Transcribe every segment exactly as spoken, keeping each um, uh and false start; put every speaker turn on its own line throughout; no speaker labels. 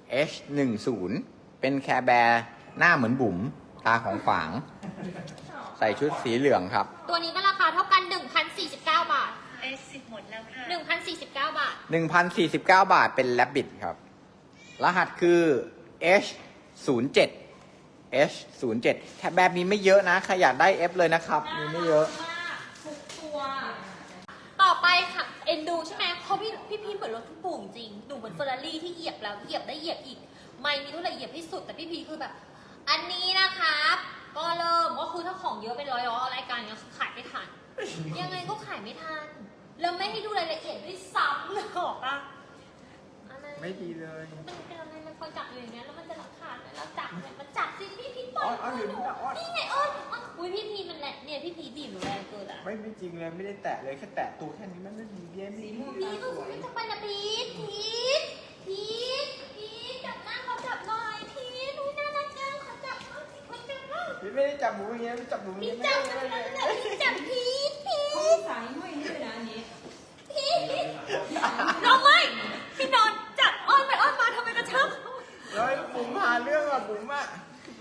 เอช หนึ่งสิบ เป็นแคร์แบร์หน้าเหมือนบุ๋มตาของขวาง ใส่ชุดสีเหลืองครับ
ตัวนี้ก็ราคาเท่ากัน หนึ่งพันสี่สิบเก้า บาท
เอสสิบหมดแล้วค่ะ
หนึ่งพันสี่สิบเก้า บาท
หนึ่งพันสี่สิบเก้า บาทเป็นแรบบิทครับ รหัสคือ เอช ศูนย์เจ็ด เอช ศูนย์เจ็ด แคร์แบร์มีไม่เยอะนะใครอยากได้ F เลยนะครับ มีไม่เยอะ
ทุกตัว ต่อไปค่ะ เอ็นดูใช่ไหมเพราะพี่พี่พีเหมือนรถทุกปุ่มจริง หนูเหมือนเฟอร์รารี่ที่เหยียบแล้วเหยียบได้เหยียบอีก ไม่มีเท่าไหร่เหยียบที่สุด แต่พี่พีคือแบบ อันนี้นะครับ ก็เริ่มก็คือถ้าของเยอะเป็นร้อยร้อยรายการเนี้ยคือขายไม่ทัน ยังไงก็ขายไม่ทัน แล้วไม่ให้ดูรายละเอียดด้วยซ้ำเลยหรอกอะอะไร
ไม่ดีเลย
มันเป็นอะไรมันคอยจับอยู่อย่างเงี้ยแล้วมันจะรับขาดไหมแล้วจับเนี่ยมันจับสิพี่พีปล่อย
อ้อนอ้อนอยู่นี่นะอ้อน
นี่ไงอ้อนอ้อนอุ้ยพี่พีมันแหละเนี่ยพี่พีบีบหนูแรงเกินอะ
ไม่ไม่จริงเลยไม่ได้แตะเลยแค่แตะตัวแค่นี้มันไม่ดีเบี้ยไม่ดี
พีทพีทจะไปนะพีทพีทพีทพีทจับหน้าเขาจับหน่อยพีทอุ้ยน่ารักจังขอจับหน่อยสิขอจับหน่อย
พี่ไม่ได้จับหมูอย่างเงี้ยไม่จับหมูอย่าง
พี
เงี้
ท
ย
จับ
ไม่
จับ
ได้
จับพีทจับพีทพี
เขา
ท
สายห้อยให้ด้วยนะอันนี้
พีทน้องไม่พี่นอนจับอ้อนไปอ้อนมาทำไมกระชับ
เฮ้ยบุ๋มหาเรื่องอ่ะบุ๋มอ่ะ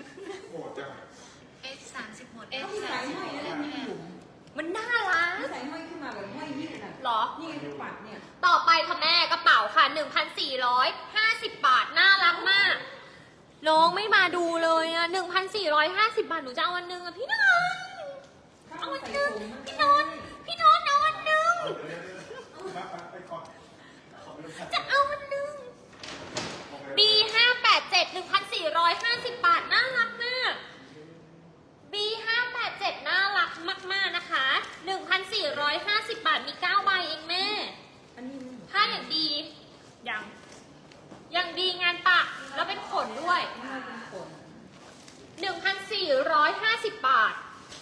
เอสสามสิบหมด
เอ๊ะเขาสายห้อยนะเนี่ยพี่บุ๋ม
มันน่ารัก
เขาสายห้อยขึ้นมาแบบห้อยยืดอ่ะ
หรอ
นี่ไงปัดเนี่ย
ต่อไปค่ะแม่กระเป๋าค่ะ หนึ่งพันสี่ร้อยห้าสิบ บาท น่ารักมาก น้องไม่มาดูเลยอ่ะ หนึ่งพันสี่ร้อยห้าสิบ บาท หนูจะเอาวันหนึ่งอ่ะพี่นนท์เอาวันหนึ่งพี่นนท์พี่นนท์เอาวันหนึ่งจะเอาวันหนึ่ง บี ห้าแปดเจ็ด หนึ่งพันสี่ร้อยห้าสิบ บาท น่ารักมาก บี ห้าแปดเจ็ด น่ารักมากๆนะคะ หนึ่งพันสี่ร้อยห้าสิบ บาท มีเก้าใบเองแม่
อันนี้
ถ้าอย่างดีอย่างอย่างดีงานปักแล้วเป็นขนด้วย
ห้อยเป็นขน
หนึ่งพันสี่ร้อยห้าสิบ บาท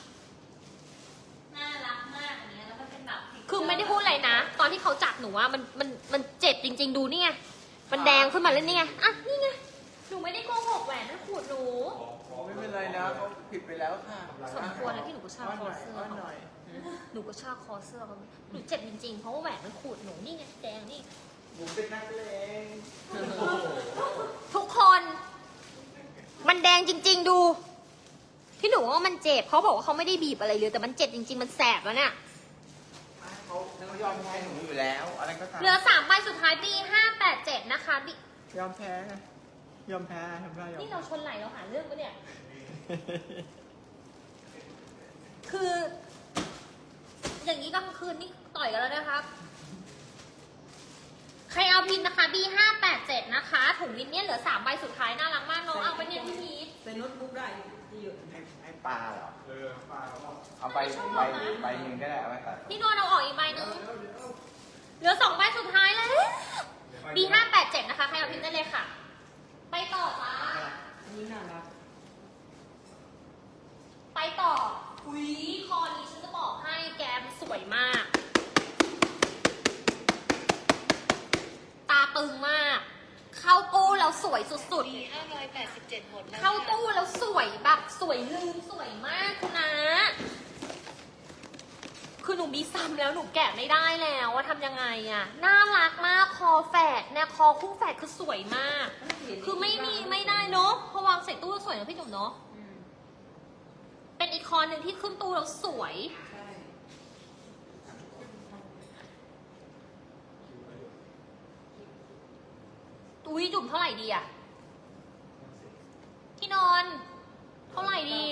น่ารักมากอันเนี้ยแล้วมันเป็นแบบคือไม่ได้พูดอะไรนะ ตอนที่เขาจับหนูว่ามันมันมันเจ็บจริง ๆ ดูนี่ไงมันแดงขึ้นมาแล้วนี่ไงอ่ะนี่ไงหนูไม่ได้โกหกแหวนนั่นขูดหนู
ไม่เป็นไรนะเขาผิดไปแล้วค่ะ
สมควรแล้วที่หนูก็ชอบคอเสื้อ
อ้อน
เขา
หน่อย
หนูก็ชอบคอเสื้อเขาหนูเจ็บจริงๆเพราะว่าแหวนมันขูดหนูนี่ไงแดงนี่
บุ๋มเป็นนักเลง
ทุกคน มันแดงจริง ๆ ดู ที่หนูว่ามันเจ็บเขาบอกว่าเขาไม่ได้บีบอะไรเลยแต่มันเจ็บจริง ๆ มันแสบแล้วเนี่ย
เขาเขายอมแพ้หนูอยู่แล้ว อะไรก็ตาม
เหลือสามใบสุดท้ายปีห้าแปดเจ็ดนะคะบิ
ยอมแพ้ไงยอมแพ้ทำได้ยอม
นี่เราชนไหลเราหาเรื่องปะเนี่ย คือ อย่างนี้กลางคืนนี่ต่อยกันแล้วนะครับ ใครเอาพินนะคะ บี ห้าแปดเจ็ด นะคะ ถุงลิ้นเนี่ยเหลือสามใบสุดท้ายน่ารักมากน้องเอาไปเนี่ยพี่พีท
ใส่โน้ตบุ๊กได้ที่เยอะ
ให้ให้ปลาเหรอ เออปลาเอาไปใบใบหนึ่งก็ได้เอาไว้ตัด
พี่นวลเอาออกอีกใบหนึงเหลือสองใบสุดท้ายแล้ว บี ห้าแปดเจ็ด นะคะ ใครเอาพินได้เลยค่ะ ไปต่อจ้า
อันนี้น่ารัก
ไปต่ออุ้ยคอนี้ฉันจะบอกให้แกมนสวยมาก ตาตึงมาก เข้าตู้แล้วสวยสุด
บีห้าร้อยแปดสิบเจ็ดหมดแล้ว
ๆ เข้าตู้แล้วสวยแบบสวยลืมสวยมากคุณนะ คือหนูมีซ้ำแล้วหนูแกะไม่ได้แล้วว่าทำยังไงอะน่ารักมากคอแฝดเนี่ยคอคู่แฝดคือสวยมาก คือไม่มีไม่ได้เนาะเพราะวางใส่ตู้แล้วสวยนะพี่จุ๋มเนาะ
อืม
เป็นอีกคอหนึ่งที่ขึ้นตู้แล้วสวย
ใช่
อุ้ยจุ่มเท่าไหร่ดีอะที่นอน เท่าไหร่ดี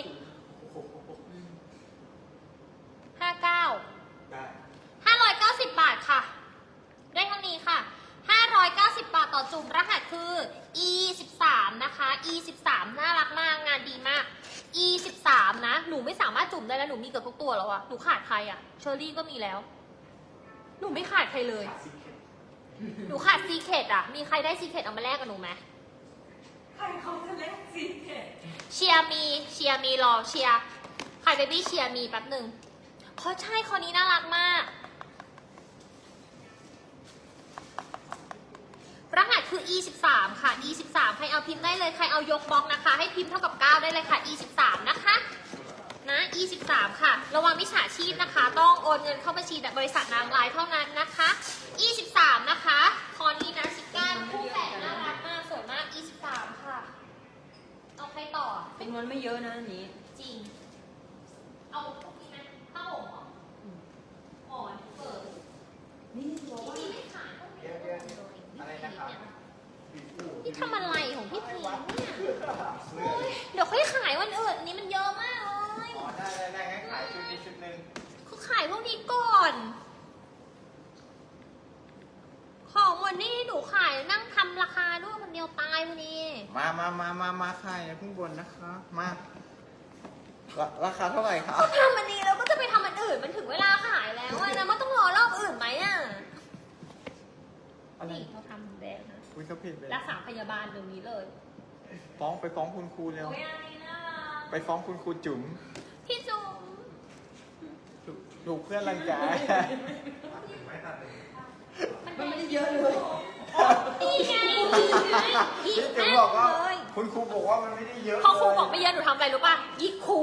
ห้าเก้า
ได้
ห้าร้อยเก้าสิบบาทค่ะ ได้เท่านี้ค่ะห้าร้อยเก้าสิบบาทต่อจุ่มรหัสคือ อี สิบสาม นะคะ อี สิบสาม น่ารักมากงานดีมาก อี สิบสาม นะ หนูไม่สามารถจุ่มได้แล้วหนูมีเกือบทุกตัวแล้วอะหนูขาดใครอะเชอรี่ก็มีแล้ว หนูไม่ขาดใครเลย หนูขาดซีเคดอะมีใครได้ซีเคดเอามาแลกกับหนูไหม
ใครเขาจะเล่นซีเค็ด
เชียร์มีเชียร์มีรอเชียร์ใครเบบี้เชียร์มีแป๊บหนึ่งเพราะใช่คอนี้น่ารักมาก รหัสคือ อี สิบสาม ค่ะ อี สิบสาม ใครเอาพิมพ์ได้เลย ใครเอายกบล็อกนะคะ ให้พิมพ์เท่ากับเก้าได้เลยค่ะ อี สิบสาม นะคะ นะ อี สิบสาม ค่ะ ระวังมิจฉาชีพนะคะ ต้องโอนเงินเข้าบัญชีบริษัทนางร้ายเท่านั้นนะคะ อี สิบสาม นะคะ คอนี้นะชิก้าคู่แฝดน่ารักมาก สวยมาก อี
ำนวนไม่เยอะนะอันนี้
จริง เอาพวกนี้ไหมผ้าห่มเหรอหมอนเปิด
นี่บอกว่า
พี่ไม่ขายพวกนี้
เดี๋ยวเดี๋ยวอะไรนะครับ
พี่ทำอะไรของพี่พีเนี่ยโอ๊ยเดี๋ยวค่อยขายวันอื่นอันนี้มันเยอะมากเลย
อ๋อได้ได้ได้งั้นขายชุดนี้ชุดหนึ่ง
คือขายพวกนี้ก่อน ของวันนี้หนูขายนั่งทำราคาด้วยคนเดียวตายวันนี้
มามามามามาขายอย่าเพิ่งบ่นนะคะมาราราคาเท่าไหร่ครับ
ก็ทำอันนี้แล้วก็จะไปทำอันอื่นมันถึงเวลาขายแล้วอะนะมันต้องรอรอบอื่นไหมอ่ะ
อะไร
นี่เขาทำแดงนะ
คุยเขาผิดเลย
รักษาพยาบาลเดี๋ยวนี้เลย
ฟ้องไปฟ้องคุณครูเร็ว
โอ้ยอันนี้น่ารัก
ไปฟ้องคุณครูจุ๋ม
พี่จุ๋ม
ถูกถูกเพื่อนรังแก
มันไม่ได้เยอะเลย
นี่ไง
พี่
อีก
จุ๋ม
แม่
บอกว่า
เลย
คุณครูบอกว่ามันไม่ได้เยอะ
พอครู
เลย
บอกไม่เยอะหนูทำอะไรรู้ป่ะยิกครู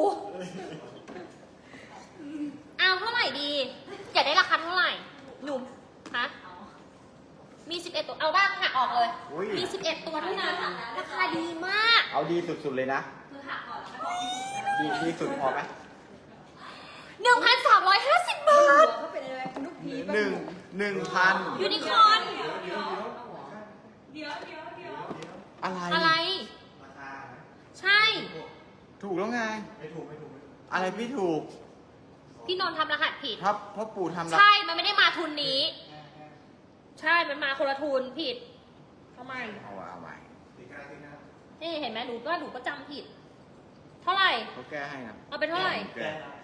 เอาเท่าไหร่ดี อยากได้ราคาเท่าไหร่ หนุ่มฮะมีสิบเอ็ดตัว เอาบ้างหักออกเลย
อุ๊ย
มีสิบเอ็ดตัวเท่านั้นราคาดีมาก
เอาดีสุดๆเลยนะ
คือหักก่อนแล้วก็บอก
ดีดีสุดพอไหม
หนึ่งพันสามร้อยห้าสิบบาท
เขาเป็นอะไรคุณลูกพี
หนึ่งหนึ่งพัน
ยูนิคอร์น
เดี๋ยวเดี๋ยวเดี๋ยว
อะไร
อะไร ใช่
ถูกแล้วไง อะไรพี่ถูก
พี่นนท์ทำรหัสผิด
ครับพ่อปู่ทำละ
ใช่ มันไม่ได้มาทุนนี้ ใช่ มันมาคนละทุนผิดทำไม
เอาไว้เอาไว้
นี่เห็นไหมหนูก็หนูก็จำผิด เท่าไหร่
เขาแก้ให้นะ
เอาเป็นเท่าไหร่
แก้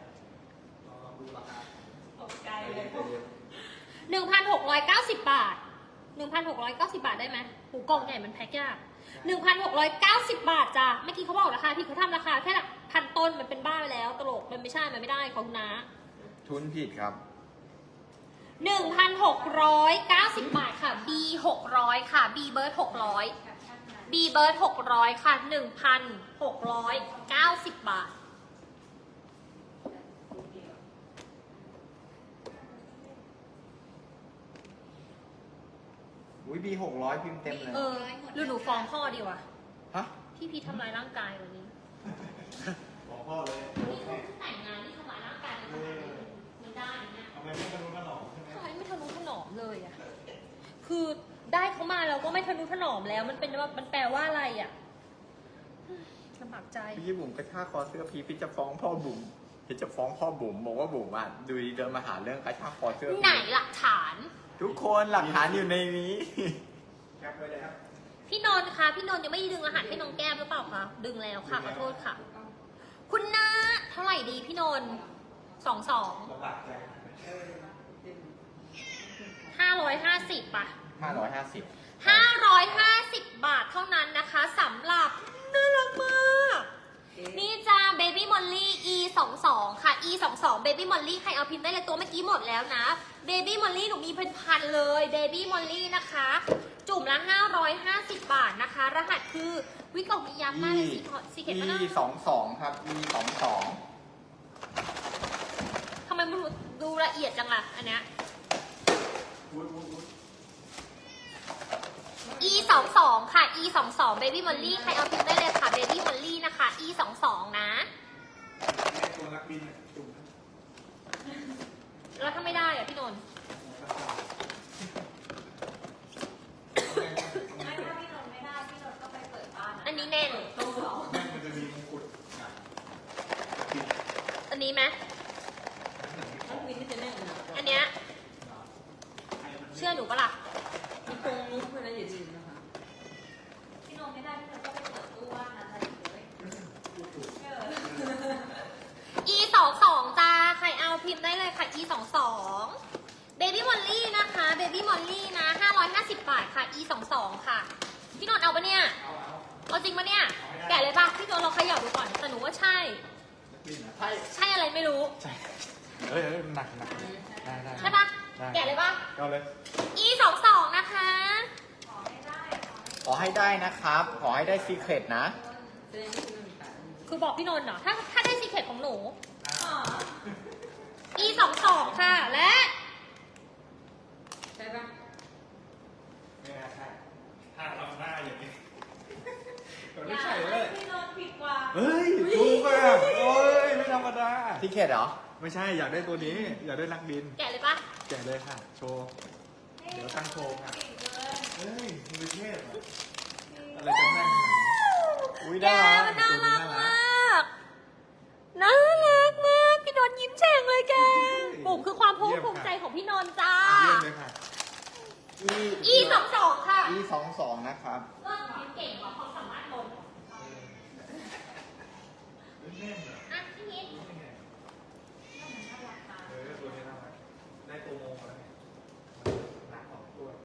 ตกใจเลย
หนึ่งพันหกร้อยเก้าสิบบาทหนึ่งพันหกร้อยเก้าสิบบาทได้ไหมหูกล่องใหญ่มันแพ็คยากหนึ่งพันหกร้อยเก้าสิบบาทจ้ะเมื่อกี้เขาบอกราคาผิดเขาทำราคาแค่หลักพันต้นมันเป็นบ้าไปแล้วตลกมันไม่ใช่ มันไม่ได้ของคุณนะ
ทุนผิดครับ
หนึ่งพันหกร้อยเก้าสิบบาทค่ะ B หกร้อยค่ะ B เบิร์ดหกร้อย B เบิร์ดหกร้อยค่ะหนึ่งพันหกร้อยเก้าสิบบาท
อุ้ยบีหกร้อยพิมพ์เต็มเลย
เออหรือหนูฟ้องพ่อดีวะ
ฮะ
ที่พี่ทำร้ายร่างกายวันนี้
บอกพ่อเลย
นี่เขาแต่งงานที่ทำร้ายร่างกายกันขนาดนี้ไม่ได้เนี่ย
ทำไมไม่ทะนุถนอมใช่ไหม
ทำไมไม่ทะนุถนอมเลยอ่ะ คือได้เขามาเราก็ไม่ทะนุถนอมแล้ว มันเป็นว่ามันแปลว่าอะไรอ่ะลำบากใจ
พี่บุ๋มกระชากคอเสื้อพีพี่จะฟ้องพ่อบุ๋มพี่จะฟ้องพ่อบุ๋มบอกว่าบุ๋มอ่ะดูดีเดินมาหาเรื่องกระชากคอเสื้อพี่
ไหนหลักฐาน
ทุกคนหลักฐานอยู่ในนี้แคปไปเลยครับ
พี่นนท์คะพี่นนท์ยังไม่ได้ดึงรหัสให้น้องแก้มหรือเปล่าคะ ดึงแล้วค่ะขอโทษค่ะ คุณนาเท่าไหร่ดีพี่นนท์สองสองห้าร้อยห้าสิบป่ะ
ห้าร้อยห้าสิบ
ห้าร้อยห้าสิบบาทเท่านั้นนะคะสำหรับน่ารักมากนี่จ้า Baby Molly E สองสองค่ะ E สองสอง Baby Molly ใครเอาพิมพ์ได้เลยตัวเมื่อกี้หมดแล้วนะ Baby Molly หนูมีเป็นพันเลย Baby Molly นะคะ จุ่มละห้าร้อยห้าสิบบาทนะคะ รหัสคือวิกล่องมียับมากเลยสีขอสีเข็มมะนาว
สองสองครับ E สองสอง
ทำไมมันดูละเอียดจังล่ะอันเนี้ย E สองสองค่ะ E สองสอง Baby Molly ใครเอาพิมพ์ได้เลยค่ะ Baby Molly นะคะ E สองสองนะ
ตัวนักบินอะจุ่ม
แล้วถ้าไม่ได้อะพี่นนท์
ไม่ถ้าพี่นนท์ไม่ได้พี่นนท์ก็ไปเปิดบ้าน
อันนี้แน่น
ตู้สอง
แม่งมันจะมีมงกุฎหนักบิน
อันนี้ไหม
ต้องวินที่จะแน่นนะ
อันเนี้ย
ให้มัน
เชื่อหนูปะล่ะ
มีโครงมุ้งเพื่อนนะอย่าลืมนะคะ
พี่นนท์ไม่ได้พี่นนท์ก็ไปเปิดตู้ว่างนะเลย E สองสองจ้าใครเอาพิมพ์ได้เลยค่ะ E สองสอง Baby Molly นะคะ Baby Molly นะห้าร้อยห้าสิบบาทค่ะ E สองสองค่ะ พี่นนท์เอาปะเนี่ย เอาจริงปะเนี่ย แกะเลยปะพี่นนท์เราเขย่าดูก่อนแต่หนูว่าใช่
นักบินอะ
ใช่
ใช่อะไรไม่รู้
เฮ้ยเฮ้ยหนักหนักได้ได้
ใช่ปะแกะเลยปะ
เอาเลย
E สองสองนะคะ
ขอให้ได้นะครับ ขอให้ได้ซีเครตนะ
แสดงว่าพี่นนท์มีตัด
คือบอกพี่นนท์เหรอ ถ้าถ้าได้ซีเคทของหนู E สองสองค่ะ และ
ใช่ปะ
ไม่น่าใช่ถ้าทำหน้าอย่างนี้มันไม่ใช่เลย
พี่นนท์ผิดกว่า
เฮ้ย
ทิเกตเหรอ
ไม่ใช่อยากได้ตัวนี้ อยากได้นักบิน
แกะเลยปะ
แกะเลยค่ะ โชว์ เดี๋ยวตั้งโชว์ค่ะเฮ้ยมีประเทศเหรออะไรกันแน่นขนาดนี้อุ้ย
แก
น่ารัก
มันน่า
ตัว
รั
นี้
ก
น่ารั
มาก ก น่ารักมาก พี่นนท์ยิ้มแฉ่งเลยแกบุ๋มคือความภาคภูมิใจของพี่นนท์จ้า
เยี่ยมเลยค่ะ
E
E สองสองค่ะ
E สองสองนะครับ
ก็เก่งกว่าเขา